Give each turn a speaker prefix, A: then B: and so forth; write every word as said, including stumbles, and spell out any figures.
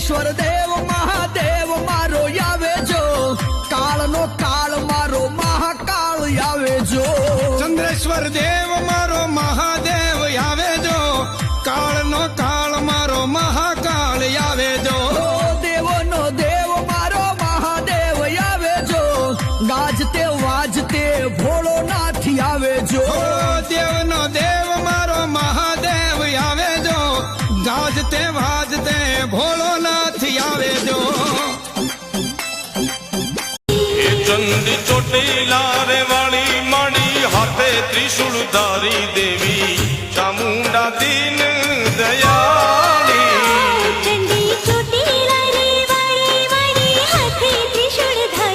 A: ચંદ્રેશ્વર દેવ મહાદેવ મારો આવે જો, કાળનો કાળ મારો મહાકાળ આવે જો.
B: ચંદ્રેશ્વર દેવ મારો મહાદેવ આવે જો, કાળનો કાળ મારો મહાકાળ આવે જો.
A: દેવનો દેવ મારો મહાદેવ આવે જો, ગાજતે વાજતે ભોળોનાથ આવે જો.
B: દેવનો દેવ મારો મહાદેવ આવે જો, ગાજતે વાજતે ભોળોનાથ આવે જો.
C: એ ચંદી ચોટીલા રે વાળી માણી હાથે ત્રિશુળ ધારી દેવી ચામુંડા દેવી